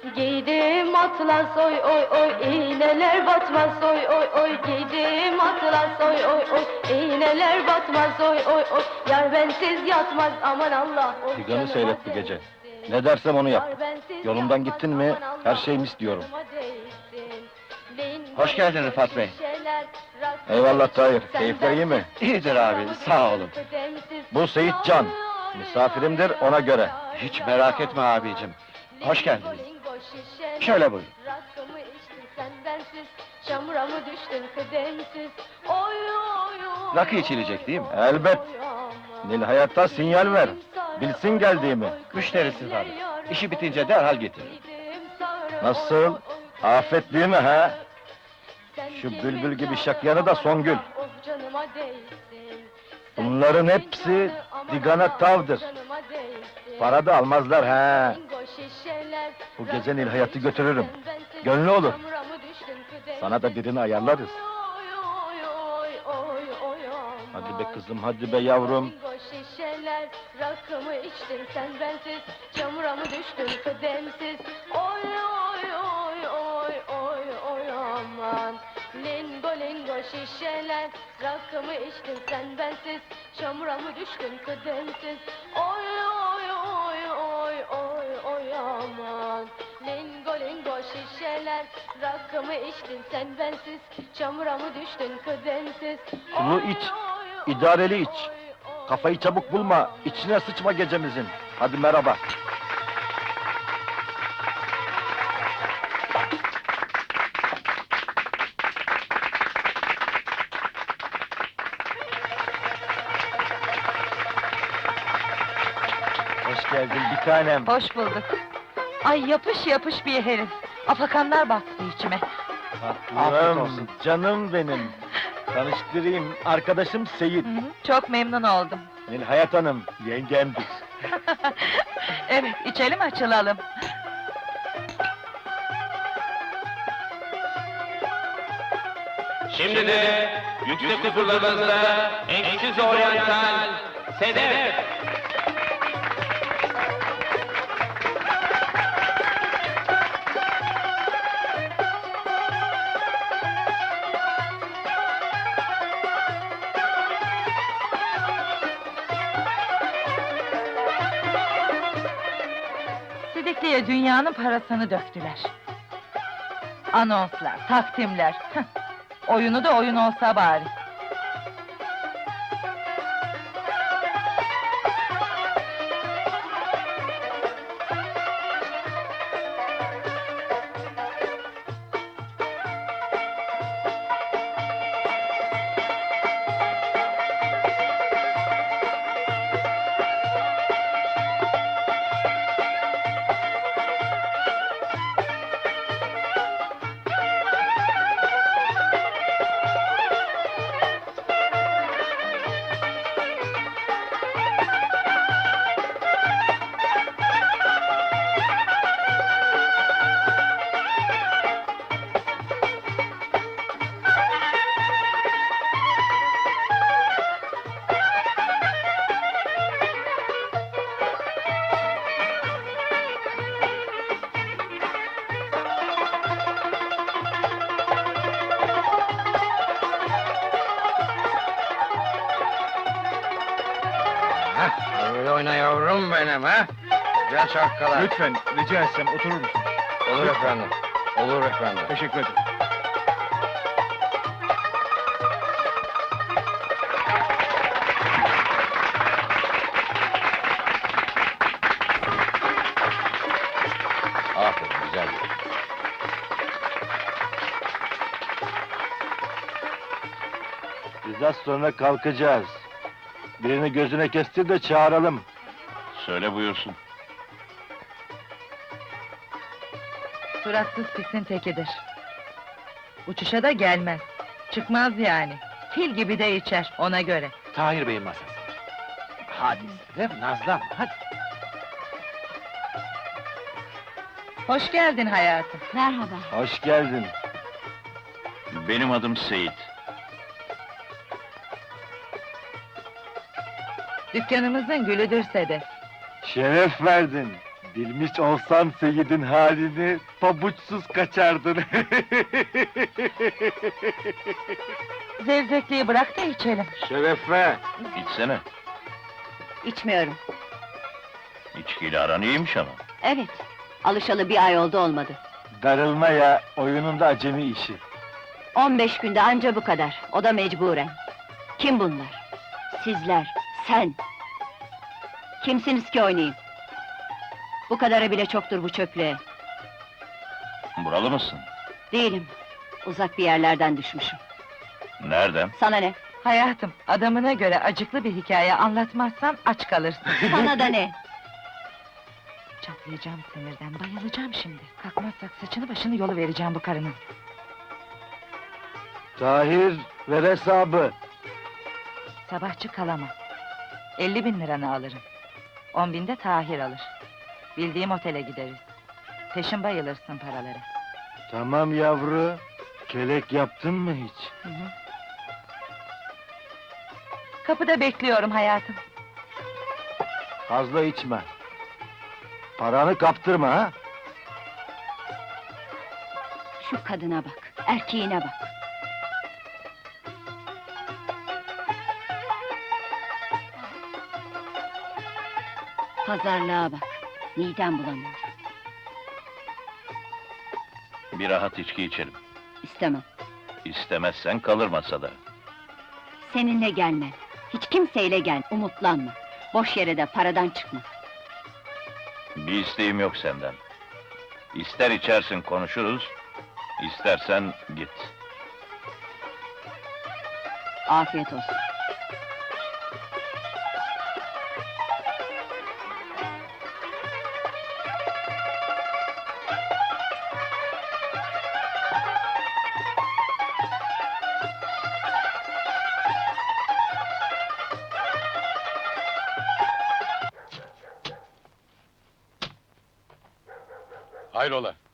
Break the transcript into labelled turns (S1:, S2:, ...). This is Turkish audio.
S1: Giydim atlas oy oy oy, iğneler batmaz oy oy oy. Giydim atlas oy oy oy, iğneler batmaz oy oy oy. Yar bensiz yatmaz aman Allah. Oy
S2: Figanı
S1: canıma
S2: seyret bu gece.
S1: değsin.
S2: Ne dersem onu yap.
S1: Yar bensiz
S2: Yolumdan
S1: yatmaz,
S2: gittin mi,
S1: aman Allah,
S2: her şeyimi
S1: oy
S2: istiyorum.
S1: canıma değsin.
S3: Hoş geldin Rıfat Bey.
S2: Eyvallah Tahir, keyifler iyi mi?
S3: İyidir abi, sağ olun.
S2: Bu Seyit Can, misafirimdir ona göre.
S3: Hiç merak etme abicim. Hoş geldiniz. Şöyle buyurun.
S1: Rakımı içtin sen bensiz, çamura mı düştün kıdemsiz? Oy oy oy.
S3: Rakı içilecek değil mi?
S2: Elbet.
S1: Oy aman.
S2: Nil Hayat'a sinyal ver. Bilsin geldiğimi.
S3: Müşterisiz abi. İşi bitince derhal getirin.
S2: Nasıl? Afet değil mi ha? Şu bülbül gibi şakyanı da Songül. Bunların hepsi digana tavdır. Para da almazlar ha. Bu gece Nil Hayat'ı götürürüm. Gönlü olur. Sana da birini ayarlarız. Hadi be kızım, hadi be yavrum.
S1: Şişeler, rakımı içtin sen bensiz, çamura mı düştün kıdemsiz? Oy oy oy oy oy oy aman. Lingo lingo şişeler, rakımı içtin sen bensiz, çamura mı düştün kıdemsiz? Oy oy oy oy oy oy aman. Lingo lingo şişeler, rakımı içtin sen bensiz, çamura mı düştün kıdemsiz?
S2: Sulu iç, idareli iç. Kafayı çabuk bulma, içine sıçma gecemizin. Hadi merhaba. Hoş geldin bir tanem.
S4: Hoş bulduk. Ay yapış yapış bir herif. Afakanlar baktı içime.
S3: Afiyet olsun.
S2: Canım benim. Tanıştırayım, arkadaşım Seyit.
S4: Hı hı, çok memnun oldum.
S2: Nil Hayat Hanım, yengemdir.
S4: Evet, içelim açılalım.
S5: Şimdi de yüksek huzurlarınızda eşsiz oryantal Sedef.
S4: Sidikli'ye dünyanın parasını döktüler. Anonslar, takdimler. hıh, Oyunu da oyun olsa bari.
S3: Öyle oyna yavrum benim ha. Güzel şarkılar.
S2: Lütfen, rica etsem oturur musun?
S3: Olur efendim. Olur efendim.
S2: Teşekkür ederim.
S3: Aferin, güzel.
S2: Biz az sonra kalkacağız. Birini gözüne kestir de çağıralım.
S5: Söyle buyursun.
S4: Suratsız pisin tekidir. Uçuşa da gelmez. Çıkmaz yani. Fil gibi de içer, ona göre.
S3: Tahir Bey'in masası. Hadi Sedef, nazlanma, hadi.
S4: Hoş geldin hayatım.
S1: Merhaba.
S2: Hoş geldin.
S5: Benim adım Seyit.
S4: Dükkanımızın gülüdür Sedef.
S2: Şeref verdin. Bilmiş olsan Seyit'in halini, pabuçsuz kaçardın.
S4: Zevzekliği bırak da içelim.
S2: Şerefe!
S5: İçsene.
S6: İçmiyorum.
S5: İçkiyle aran iyiymiş ama.
S6: Evet. Alışalı bir ay olmadı.
S2: Darılma ya, oyununda acemi işi.
S6: 15 günde anca bu kadar. O da mecburen. Kim bunlar? Sizler, sen. Kimsiniz ki oynayayım? Bu kadarı bile çoktur bu çöplüğe.
S5: Buralı mısın?
S6: Değilim. Uzak bir yerlerden düşmüşüm.
S5: Nereden?
S6: Sana ne?
S4: Hayatım, adamına göre acıklı bir hikaye anlatmazsan aç kalırsın.
S6: Sana da ne?
S4: Çatlayacağım sinirden, bayılacağım şimdi. Kalkmazsak saçını başını yolu vereceğim bu karının.
S2: Tahir, ver hesabı.
S4: Sabahçı kalamam. 50.000 liranı alırım. 10.000 de Tahir alır. Bildiğim otele gideriz. Peşin bayılırsın paralara.
S2: Tamam yavru. Kelek yaptın mı hiç?
S4: Hı hı. Kapıda bekliyorum hayatım.
S2: Fazla içme. Paranı kaptırma ha.
S6: Şu kadına bak, erkeğine bak. Pazarlığa bak, midem bulanıyor.
S5: Bir rahat içki içelim.
S6: İstemem.
S5: İstemezsen kalır masada.
S6: Seninle gelmem. Hiç kimseyle gel, umutlanma. Boş yere de paradan çıkma.
S5: Bir isteğim yok senden. İster içersin konuşuruz, istersen git.
S6: Afiyet olsun.
S5: Hayrola?